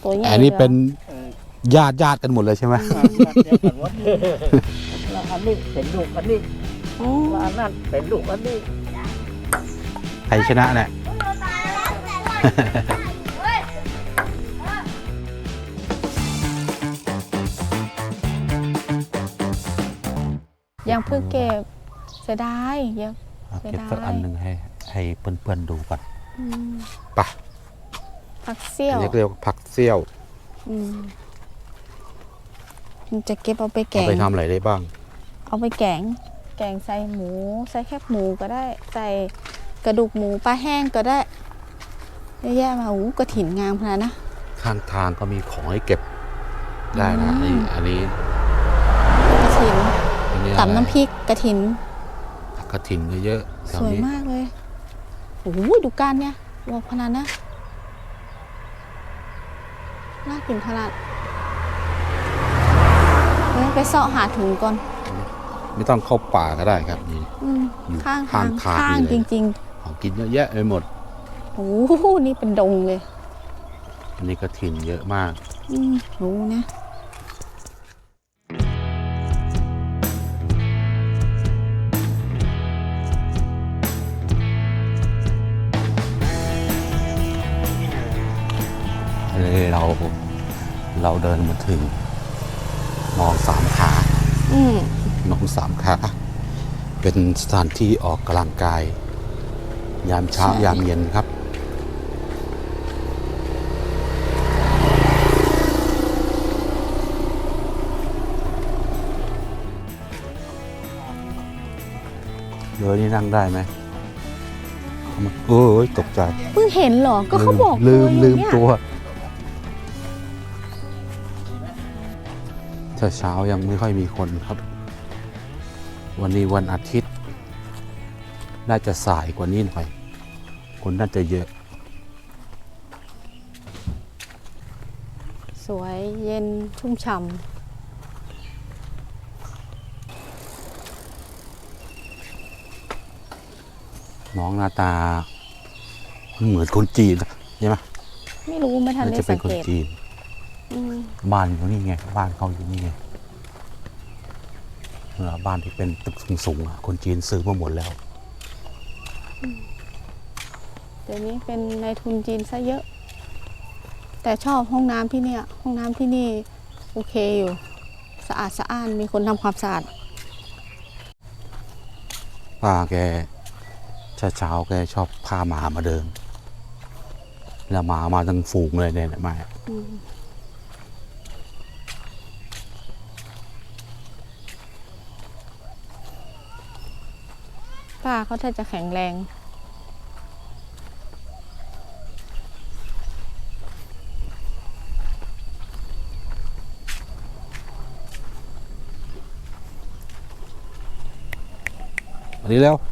ตัวใหญ่อันนี้เป็นญาติกันหมดเลยใช่ไหมแล้วอันนี้เป็นลูกอันนี้แล้วอันนั้นเป็นลูกอันนี้ใครชนะเนี่ยยังเพิ่งเก็บเสียดายเยอะเก็บสักอันหนึ่งให้เพื่อนๆดูก่อนปะผักเซี่ยวเรียกผักเซี่ยวมันจะเก็บเอาไปแกงเอาไปทำอะไรได้บ้างเอาไปแกงใส่หมูใส่แคบหมูก็ได้ใส่กระดูกหมูปลาแห้งก็ได้เยอะแยะมากระถิ่นงามขนาดนะข้างทางก็มีของให้เก็บได้นะอันนี้กระถิ่นตำน้ำพริกกระถิ่นก็เยอะสวยมากเลยโอ้โหดูการเนี่ยว่าขนาดนะน่ากินขนาดไปเสาะหาถุงก่อนไม่ต้องเข้าป่าก็ได้ครับนี่ข้างจริงๆของกินเยอะแยะไปหมดโอ้โหนี่เป็นดงเลยอันนี้กระถิ่นเยอะมากรู้นะเราเดินมาถึงหนองสามขาหนองสามขาเป็นสถานที่ออกกำลังกายยามเช้ายามเย็นครับเดี๋ยวนี้นั่งได้ไหมโอ้ยตกใจเพิ่งเห็นเหรอก็เขาบอกลืมตัวเช้ายังไม่ค่อยมีคนครับวันนี้วันอาทิตย์น่าจะสายกว่านี้หน่อยคนน่าจะเยอะสวยเย็นชุ่มฉ่ำน้องหน้าตาเหมือนคนจีนใช่ไหมไม่รู้ไม่ทันได้สังเกตบ้านอยู่นี่ไงบ้านเขาอยู่นี่ไงบ้านที่เป็นตึกสูงๆคนจีนซื้อมาหมดแล้วเดี๋ยวนี้เป็นนายทุนจีนซะเยอะแต่ชอบห้องน้ำที่เนี่ยห้องน้ำที่นี่โอเคอยู่สะอาดสะอ้านมีคนทำความสะอาดป้าแกเช้าแกชอบพาหมามาเดินแล้วหมามาทั้งฝูงเลยเนี่ยมาป้าเขาถ้าจะแข็งแรงอันนี้แล้ว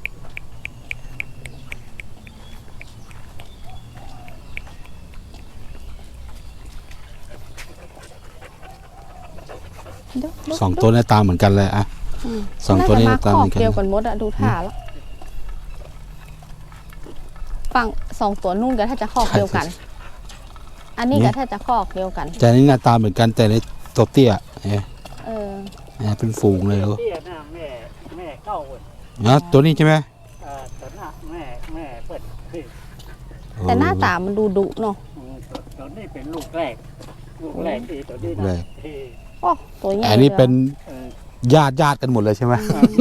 สองตัวหน้าตาเหมือนกันเลยอะสองตัวนี้หน้าตาเหมือนกันเดียวกันหมดอะดูท่าแล้วฝั่งสองตัวนู่นก็ถ้าจะคอกเดียวกันอันนี้ก็ถ้าจะคอกเดียวกันแต่นี้หน้าตาเหมือนกันแต่ในตัวเตี้ยเนี่ยเป็นฝูงเลยเหรอแม่เก้าตัวนี้ใช่ไหมตัวหน้าแม่เปิดแต่หน้าตามันดูดุเนาะตัวนี้เป็นลูกแรกที่ตัวนี้นะโอ้ตัวใหญ่อันนี้เป็นญาติกันหมดเลยใช่ไหม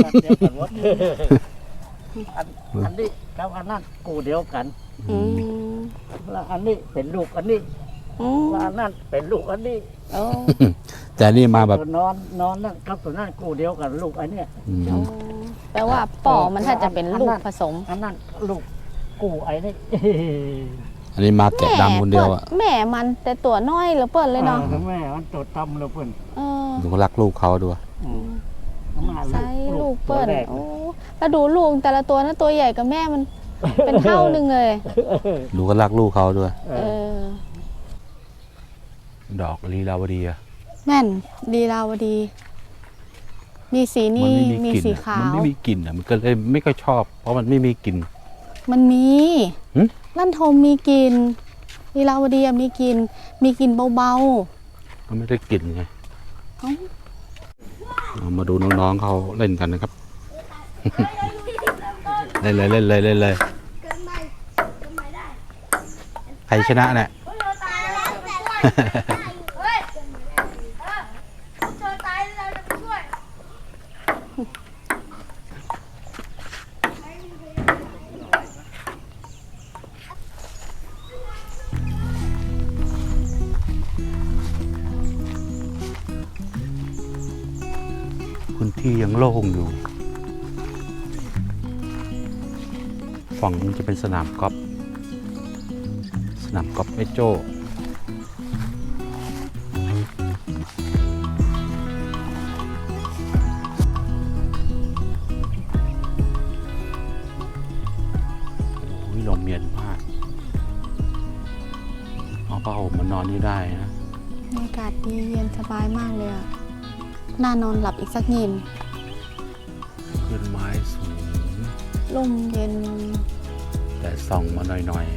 อันนี้แล้วอันนั้นกูเดียวกันแล้วอันนี้เป็นลูกอันนี้แล้วอันนั้นเป็นลูกอันนี้แต่นี่มาแบบนอนนั่นกับตัวนั้นกูเดียวกันลูกอันเนี้ยแปลว่าป่อมันถ้าจะเป็นลูกผสมอันนั้นลูกกูไอ้นี่อันนี้มาแกะดำคนเดียวอ่ะแม่มันแต่ตัวน้อยเหลือเปิดเลยเนาะแม่มันตัวต่ำเหลือเปิดดูรักลูกเขาด้วยใช่ลูกเปิดโอ้แล้วดูลูกแต่ละตัวนะตัวใหญ่กับแม่มันเป็นเท่านึงเลยดูก็รักลูกเขาด้วยดอกลีลาวดีอะแม่นลีลาวดีมีสีนี้มีสีขาวมันไม่มีกลิ่นอ่ะมันก็เลยไม่ค่อยชอบเพราะมันไม่มีกลิ่นมันมีลั่นทมมีกลิ่นลีลาวดีอะมีกลินเบาก็ไม่ได้กลิ่นไงๆเอ้าเอามาดูน้องๆเขาเล่นกันนะครับ เล่นเลยใครชนะเนี่ย พื้นที่ยังโล่งอยู่ ฝั่งนี้จะเป็นสนามกอล์ฟแม่โจ้โอ้ยลมเย็นมากเอาผ้าห่มมานอนนี่ได้นะบรรยากาศดีเย็นสบายมากเลยอะน่านอนหลับอีกสักยินขึ้นไม้สูงลมเย็นแต่ส่องมาหน่อย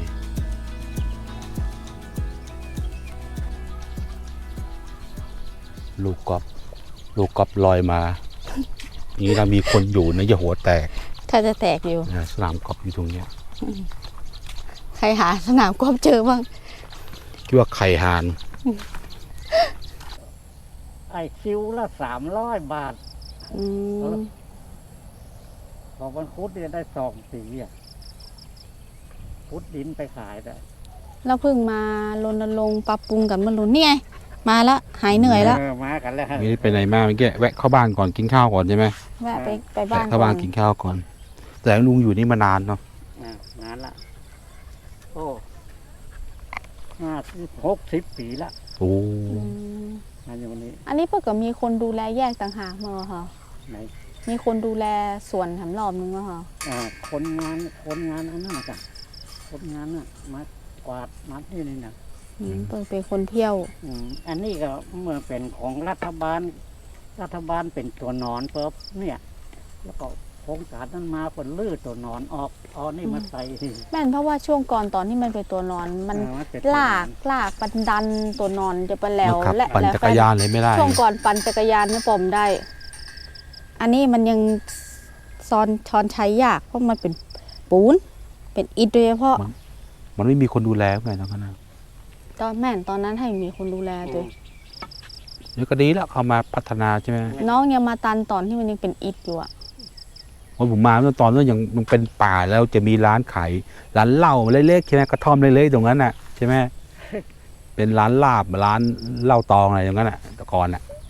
ๆ ลูกกอล์ฟลอยมา นี้เรามีคนอยู่นะอย่าหัวแตกถ้าจะแตกอยู่นะสนามกอล์ฟอยู่ตรงเนี้ยใครหาสนามกอล์ฟเจอบ้างคิดว่าไข่หานไอ้คิวละ300 บาทอืมพอวันคุดเนี่ยได้2 สีอ่ะคุดดินไปขายได้เราเพิ่งมารณรงค์ปรับปรุงกันเมื่อรุ่นนี่ไง มาแล้วหายเหนื่อยแล้วมากันแล้วไม่ได้ไปไหนมาเมื่อกี้แวะเข้าบ้านก่อนกินข้าวก่อนใช่ไหมแวะไปบ้านแวะเข้าบ้านกินข้าวก่อน แต่ลุงอยู่นี่มานานเนาะนานละโอ้60 ปีละโอ้อืมมาอยู่นี้อันนี้เพื่อก็มีคนดูแลแยกต่างหากมาเหรอคะไหนมีคนดูแลส่วนแถมรอบนึงเหรอคะคนงานอันนั้นจ้ะคนงานน่ะมากวาดมัดนี่นะเพิ่งเป็นคนเที่ยวอันนี้ก็เมื่อเป็นของรัฐบาลเป็นตัวนอนเปิบเนี่ย แล้วก็โครงการนั้นมาผลลื้อตัวนอนออกเอานี่มาใส่แม่นเพราะว่าช่วงก่อนตอนที่มันเป็นตัวนอนมันเป็นตัวนอนลากปันดันตัวนอนจะไปแล้วมาขับและปั่นจักรยานเลยไม่ได้ช่วงก่อนปั่นจักรยานเนี่ยปอมได้ อันนี้มันยังช้อนใช้ยากเพราะมันเป็นปูนเป็นอิฐโดยเฉพาะมันไม่มีคนดูแลไงตอนนั้นนะตอนแม่นตอนนั้นให้มีคนดูแลตัวเดี๋ยวก็ดีแล้วเขามาพัฒนาใช่ไหมน้องยังมาตันตอนที่มันยังเป็นอิฐอยู่อะวันผมมาเมื่อตอนนั้นยังเป็นป่าแล้วจะมีร้านขายร้านเหล้าเล็กๆใช่ไหมกระท่อมเล็กๆตรงนั้นน่ะใช่ไหมเป็นร้านลาบร้านเหล้าตองอะไรตรงนั้นน่ะแต่ก่อนน่ะ